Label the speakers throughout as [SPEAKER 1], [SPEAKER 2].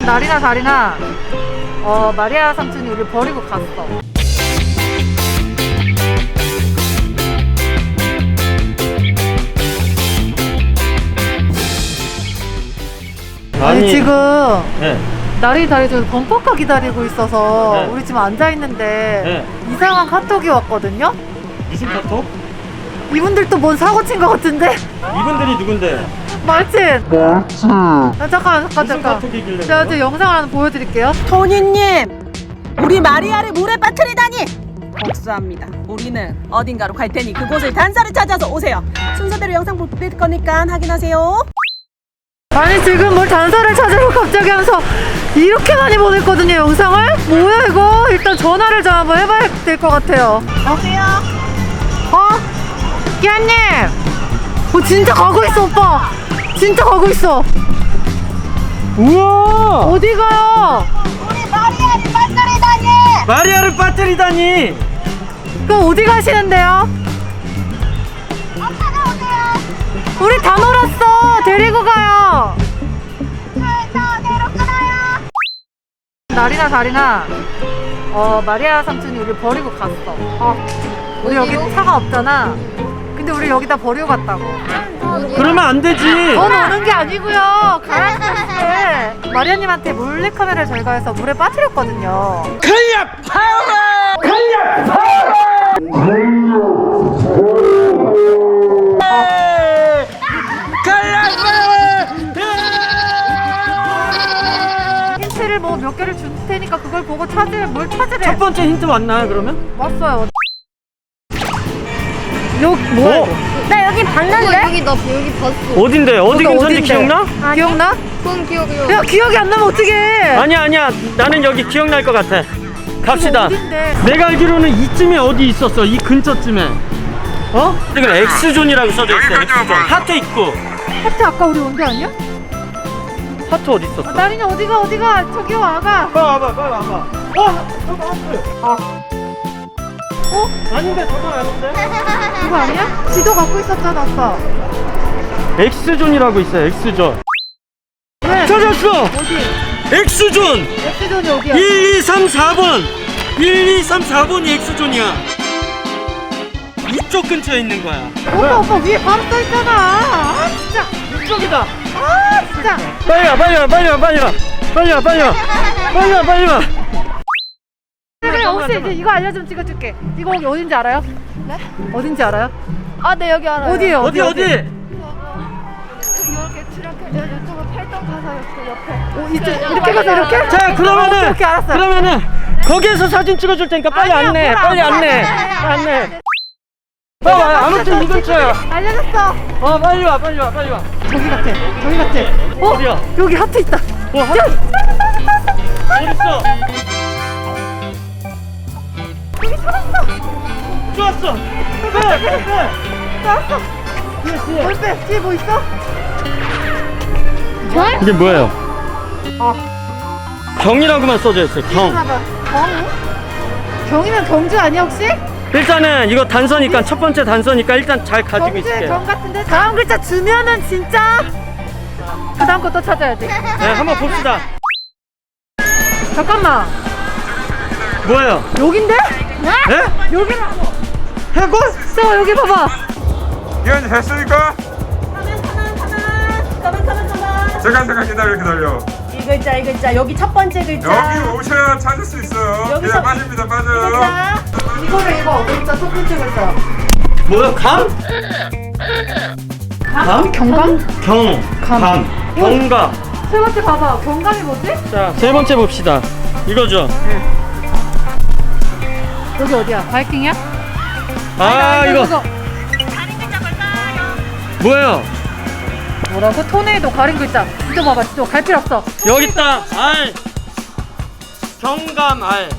[SPEAKER 1] 날이나 다리나 마리아 삼촌이 우리 버리고 갔어. 아니 지금
[SPEAKER 2] 네.
[SPEAKER 1] 날이 다리 좀 범퍼카 기다리고 있어서
[SPEAKER 2] 네.
[SPEAKER 1] 우리 지금 앉아있는데
[SPEAKER 2] 네.
[SPEAKER 1] 이상한 카톡이 왔거든요?
[SPEAKER 2] 무슨 카톡?
[SPEAKER 1] 이분들도 뭔 사고 친 것 같은데?
[SPEAKER 2] 이분들이 누군데?
[SPEAKER 1] 말친! 잠깐
[SPEAKER 2] 무슨 카톡이길래
[SPEAKER 1] 제가
[SPEAKER 2] 그래요?
[SPEAKER 1] 지금 영상을 하나 보여드릴게요.
[SPEAKER 3] 토니님, 우리 마리아를 물에 빠뜨리다니 복수합니다. 우리는 어딘가로 갈 테니 그곳을 단서를 찾아서 오세요. 순서대로 영상 보낼 거니까 확인하세요.
[SPEAKER 1] 아니 지금 뭘 단서를 찾으러 갑자기 하면서 이렇게 많이 보냈거든요, 영상을? 뭐야 이거? 일단 전화를 좀 한번 해봐야 될 것 같아요.
[SPEAKER 3] 여보세요?
[SPEAKER 1] 끼아님! 진짜 가고 있어, 오빠! 진짜 가고 있어!
[SPEAKER 2] 우와!
[SPEAKER 1] 어디 가요?
[SPEAKER 3] 우리 마리아를 빠뜨리다니!
[SPEAKER 2] 마리아를 빠뜨리다니!
[SPEAKER 1] 그럼 어디 가시는데요?
[SPEAKER 3] 찾아오세요.
[SPEAKER 1] 우리 다 놀았어! 데리고 가요!
[SPEAKER 3] 차에서 내려가나요?
[SPEAKER 1] 날이나 다리나 마리아 삼촌이 우리 버리고 갔어. 우리 여기 차가 없잖아. 근데 우리 여기다 버리고 갔다고.
[SPEAKER 2] 그러면 안 되지!
[SPEAKER 1] 넌 오는 게 아니고요. 가라앉았을 마리아님한테 몰래카메라를 저희가 해서 물에 빠뜨렸거든요. 힌트를 뭐 몇 개를 줄 테니까 그걸 보고 뭘 찾으래.
[SPEAKER 2] 첫 번째 힌트 왔나요, 그러면?
[SPEAKER 1] 왔어요. 여기 뭐야? 이거?
[SPEAKER 4] 나 여기 봤는데? 여기 봤어.
[SPEAKER 2] 어딘데? 어디
[SPEAKER 1] 여기가
[SPEAKER 2] 근처인지
[SPEAKER 1] 어딘데?
[SPEAKER 2] 기억나?
[SPEAKER 1] 기억나?
[SPEAKER 4] 그건 기억이요.
[SPEAKER 1] 야 기억이 안 나면 어떡해?
[SPEAKER 2] 아니야. 나는 여기 기억날 것 같아. 갑시다.
[SPEAKER 1] 어딘데?
[SPEAKER 2] 내가 알기로는 이쯤에 어디 있었어. 이 근처쯤에. 어? 지금 X존이라고 써져 있어. X존. 하트 있고.
[SPEAKER 1] 하트 아까 우리 온 게 아니야?
[SPEAKER 2] 하트 어디 있었어?
[SPEAKER 1] 나린이 어디가? 저기 와가.
[SPEAKER 2] 빨리 와봐. 저거 하트. 아닌데, 저건 아닌데?
[SPEAKER 1] 그거 아니야? 지도 갖고 있었잖아 아까.
[SPEAKER 2] X존이라고 있어요, X존.
[SPEAKER 1] 왜?
[SPEAKER 2] 찾았어!
[SPEAKER 1] 어디?
[SPEAKER 2] X존!
[SPEAKER 1] X존이 어디야?
[SPEAKER 2] 1234번! 1234번이 X존이야. 이쪽 근처에 있는 거야.
[SPEAKER 1] 오빠 위에 바로 써있잖아. 아 진짜.
[SPEAKER 2] 이쪽이다.
[SPEAKER 1] 아 진짜.
[SPEAKER 2] 빨리 와.
[SPEAKER 1] 그래 혹시 이제 이거 알려주면 찍어줄게. 이거 여기 어딘지 알아요? 네? 어딘지 알아요?
[SPEAKER 4] 아, 네, 여기 알아요.
[SPEAKER 1] 어디에요?
[SPEAKER 2] 어디?
[SPEAKER 4] 이렇게 이쪽으로 팔당 가서 옆에.
[SPEAKER 1] 이쪽 이렇게 가서 이렇게?
[SPEAKER 2] 자, 그러면은
[SPEAKER 1] 오케이, 알았어요.
[SPEAKER 2] 그러면은 거기에서 사진 찍어줄 테니까 빨리
[SPEAKER 1] 아니야,
[SPEAKER 2] 안내.
[SPEAKER 1] 뭐라,
[SPEAKER 2] 빨리
[SPEAKER 1] 뭐라.
[SPEAKER 2] 안내. 빨리 와. 아무튼 이 근처야.
[SPEAKER 1] 알려줬어.
[SPEAKER 2] 빨리 와.
[SPEAKER 1] 저기 같아.
[SPEAKER 2] 어디야?
[SPEAKER 1] 여기 하트 있다.
[SPEAKER 2] 하트 어디 있어?
[SPEAKER 1] 여기 찾았어.
[SPEAKER 2] 좋았어. 빼.
[SPEAKER 1] 찾았어. 뭘 빼? 뒤에 뭐 있어?
[SPEAKER 2] 이게 뭐예요? 경이라고만 써져 있어요. 경.
[SPEAKER 1] 봐봐. 경이면 경주 아니야 혹시?
[SPEAKER 2] 일단은 이거 단서니까 첫 번째 단서니까 일단 잘 가지고
[SPEAKER 1] 경주의
[SPEAKER 2] 있을게요.
[SPEAKER 1] 경 같은데 다음 글자 주면은 진짜 그 다음 거 또 찾아야지.
[SPEAKER 2] 네, 한번 봅시다.
[SPEAKER 1] 잠깐만.
[SPEAKER 2] 뭐예요?
[SPEAKER 1] 여긴데?
[SPEAKER 2] 예?
[SPEAKER 1] 여기라고.
[SPEAKER 2] 해골?
[SPEAKER 1] 저 여기 봐봐.
[SPEAKER 5] 기현이 됐으니까?
[SPEAKER 3] 가만.
[SPEAKER 5] 잠깐 기다려.
[SPEAKER 3] 이 글자. 여기 첫 번째 글자.
[SPEAKER 5] 여기 오셔야 찾을 수 있어요.
[SPEAKER 3] 여기서-
[SPEAKER 5] 그냥 빠져요.
[SPEAKER 3] 글자.
[SPEAKER 1] 이거를 이거 글자 첫 번째 글자.
[SPEAKER 2] 뭐야? 감? 감?
[SPEAKER 1] 경감?
[SPEAKER 2] 감. 경감.
[SPEAKER 1] 세 번째 봐봐. 경감이 뭐지?
[SPEAKER 2] 자, 세 번째 봅시다. 이거죠?
[SPEAKER 1] 여기 어디야? 바이킹이야?
[SPEAKER 2] 이거 뭐예요?
[SPEAKER 1] 뭐라고? 토네이도 가린 글자. 지도 봐봐. 지도 갈 필요 없어.
[SPEAKER 2] 여기 있다. 알. 경감알.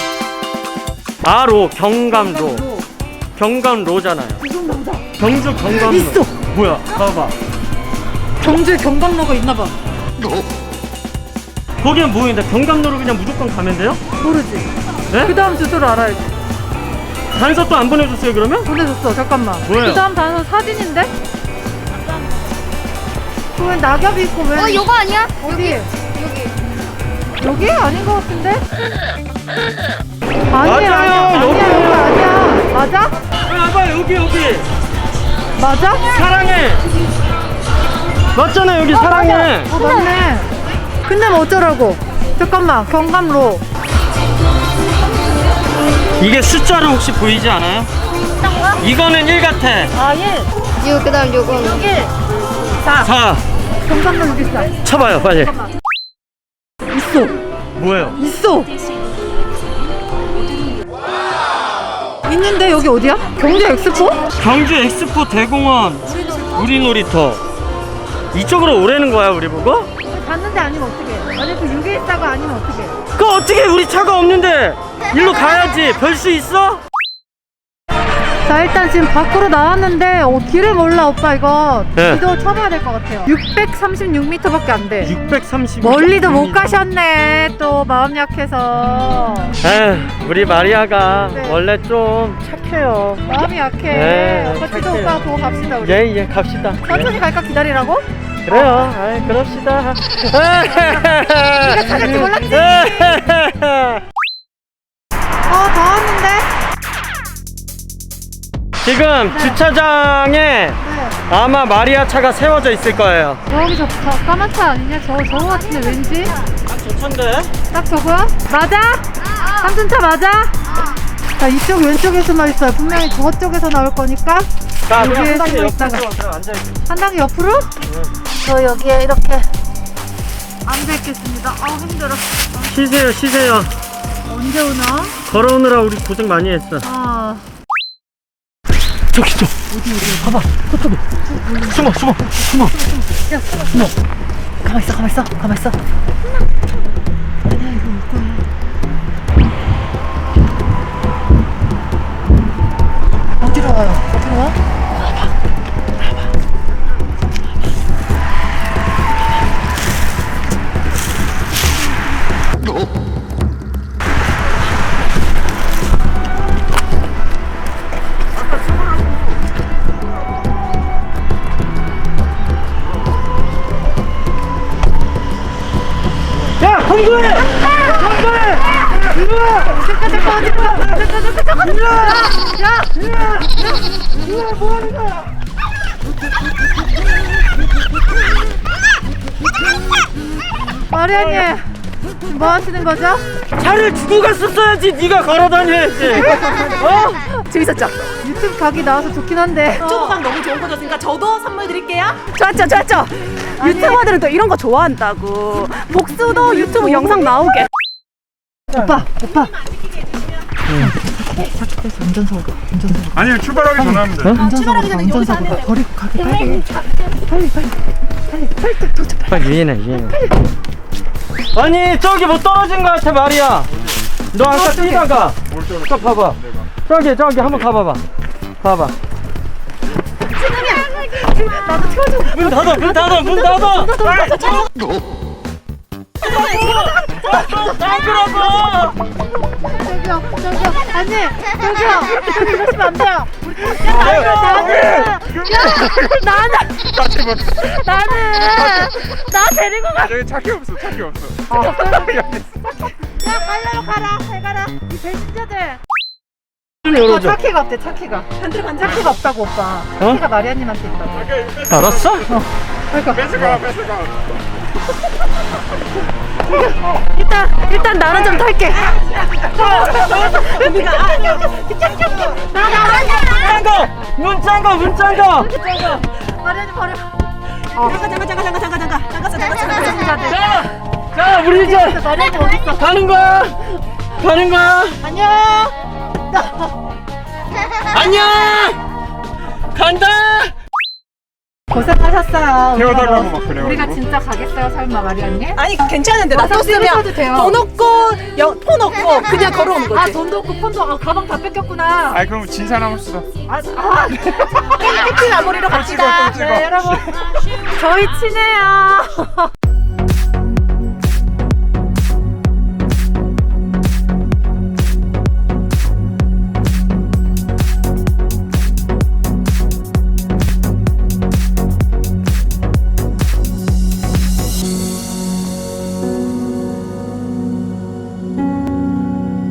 [SPEAKER 2] 아로 경감로. 경감로잖아요. 경주 경감로.
[SPEAKER 1] 있어.
[SPEAKER 2] 뭐야? 봐봐.
[SPEAKER 1] 경주에 경감로가 있나봐.
[SPEAKER 2] 거기는 뭐인데 경감로로 그냥 무조건 가면 돼요?
[SPEAKER 1] 모르지.
[SPEAKER 2] 네?
[SPEAKER 1] 그 다음 주소를 알아야지.
[SPEAKER 2] 단서 또 안 보내줬어요 그러면?
[SPEAKER 1] 보내줬어. 잠깐만.
[SPEAKER 2] 뭐예요?
[SPEAKER 1] 그 다음 단어 사진인데? 그 왜 낙엽이 있고 왜?
[SPEAKER 4] 이거 아니야?
[SPEAKER 1] 어디?
[SPEAKER 4] 여기.
[SPEAKER 1] 여기? 아닌 것 같은데?
[SPEAKER 2] 맞아요,
[SPEAKER 1] 아니야,
[SPEAKER 2] 여기예요.
[SPEAKER 1] 여기 아니야. 맞아?
[SPEAKER 2] 봐봐, 여기.
[SPEAKER 1] 맞아?
[SPEAKER 2] 사랑해. 맞잖아, 여기 사랑해.
[SPEAKER 1] 맞네. 근데 뭐 어쩌라고? 잠깐만, 경감로.
[SPEAKER 2] 이게 숫자로 혹시 보이지 않아요? 이거는 1 같아.
[SPEAKER 1] 아, 1.
[SPEAKER 4] 6 그다음 요거는
[SPEAKER 1] 1. 4.
[SPEAKER 2] 4.
[SPEAKER 1] 경감로 여기 있어.
[SPEAKER 2] 쳐봐요, 빨리.
[SPEAKER 1] 있어.
[SPEAKER 2] 뭐예요?
[SPEAKER 1] 있어. 있는데 여기 어디야? 경주 엑스포?
[SPEAKER 2] 경주 엑스포 대공원 우리놀이터. 이쪽으로 오라는 거야, 우리 보고?
[SPEAKER 1] 갔는데 아니면 어떡해? 만약 그 614가 아니면 어떡해?
[SPEAKER 2] 그 어떻게 우리 차가 없는데 일로 가야지. 별 수 있어?
[SPEAKER 1] 자, 일단 지금 밖으로 나왔는데 길을 몰라 오빠. 이거
[SPEAKER 2] 네.
[SPEAKER 1] 지도 쳐봐야 될 것 같아요. 636m밖에 안 돼.
[SPEAKER 2] 630.
[SPEAKER 1] 멀리도 못 가셨네. 또 마음 약해서.
[SPEAKER 2] 에휴, 우리 마리아가
[SPEAKER 1] 네.
[SPEAKER 2] 원래 좀 착해요.
[SPEAKER 1] 마음이 약해.
[SPEAKER 2] 네,
[SPEAKER 1] 오빠 지도
[SPEAKER 2] 착해요.
[SPEAKER 1] 오빠 보고 갑시다 우리.
[SPEAKER 2] 예, 갑시다.
[SPEAKER 1] 천천히 갈까 기다리라고?
[SPEAKER 2] 그래요. 아이, 그럽시다.
[SPEAKER 1] 네가 찾을 줄 몰랐지? 다 왔는데?
[SPEAKER 2] 지금 주차장에
[SPEAKER 1] 네.
[SPEAKER 2] 아마 마리아 차가 세워져 있을 거예요.
[SPEAKER 1] 저기 저 까만 차 아니냐? 저거 같은데 왠지?
[SPEAKER 2] 좋던데?
[SPEAKER 1] 딱 저거야? 맞아? 삼순차 맞아? 자, 이쪽 왼쪽에서만 있어요. 분명히 저쪽에서 나올 거니까
[SPEAKER 2] 자,
[SPEAKER 1] 여기에
[SPEAKER 2] 한 단계
[SPEAKER 1] 숨어
[SPEAKER 2] 옆으로
[SPEAKER 1] 있다가.
[SPEAKER 2] 앉아있어.
[SPEAKER 1] 한 단계 옆으로? 저 여기에 이렇게 앉아있겠습니다. 아우 힘들어.
[SPEAKER 2] 쉬세요.
[SPEAKER 1] 언제 오나?
[SPEAKER 2] 걸어오느라 우리 고생 많이 했어.
[SPEAKER 1] 아,
[SPEAKER 2] 저기 어디 봐봐, 저쪽에 숨어.
[SPEAKER 1] 야, 숨어. 가만 있어. 아니야, 이거 올 거야. 어디로 와?
[SPEAKER 2] 야, 공부해! 일로 와!
[SPEAKER 1] 마리아님, 뭐 하시는 거죠?
[SPEAKER 2] 차를 주고 갔었어야지. 네가 걸어 다녀야지.
[SPEAKER 3] 재밌었죠?
[SPEAKER 1] 유튜브 각이 나와서 좋긴 한데.
[SPEAKER 3] 유튜브가 너무 좋은 거였으니까 저도 선물 드릴게요. 좋았죠? 유튜버들은 또 이런 거 좋아한다고. 복수도 유튜브 영상 나오게.
[SPEAKER 1] 오빠.
[SPEAKER 5] 아니 출발하기 전에 하면 돼.
[SPEAKER 3] 출발하기 전에 여기서 하면 돼.
[SPEAKER 1] 버리고 가게 빨리.
[SPEAKER 2] 빨리 유인해. 아니, 저기 뭐 떨어진 거 같아, 마리아. 너 아까 뛰다가. 저 봐봐. 저기 한번 가봐봐. 봐봐.
[SPEAKER 1] 나도 태워줘.
[SPEAKER 2] 문 닫아.
[SPEAKER 4] 저기요
[SPEAKER 1] 아니, 저기 이러시면 안 돼요. 나는 나 데리고 가.
[SPEAKER 5] 여기 차키 없어.
[SPEAKER 1] 야, 가라. 잘 가라. 이 배신자들.
[SPEAKER 2] 좀 열어줘.
[SPEAKER 1] 차키가 없대. 차키가 없다고 오빠. 차키가 마리아님한테 있다고.
[SPEAKER 2] 알았어?
[SPEAKER 1] 그러니까
[SPEAKER 5] 뺏어가.
[SPEAKER 1] 일단 나는 좀 탈게.
[SPEAKER 2] 문 잠가.
[SPEAKER 1] 마리아님 버려.
[SPEAKER 3] 잠깐.
[SPEAKER 2] 자, 우리 이제
[SPEAKER 1] 마리아님 어딨어?
[SPEAKER 2] 가는 거야. 안녕. 간다.
[SPEAKER 1] 고생하셨어요.
[SPEAKER 5] 태워달라고 막 그래요.
[SPEAKER 1] 우리가 진짜 가겠어요, 설마 마리아님?
[SPEAKER 3] 아니 괜찮은데 나
[SPEAKER 1] 써도
[SPEAKER 3] 썼으면
[SPEAKER 1] 돼요.
[SPEAKER 3] 돈 없고 폰 없고 그냥 걸어오는 거지.
[SPEAKER 1] 돈도 없고 폰도 가방 다 뺏겼구나.
[SPEAKER 5] 아니 그럼 진사람 합시다.
[SPEAKER 3] 해피 마무리로 갑시다.
[SPEAKER 1] 네, 여러분 저희 친해요.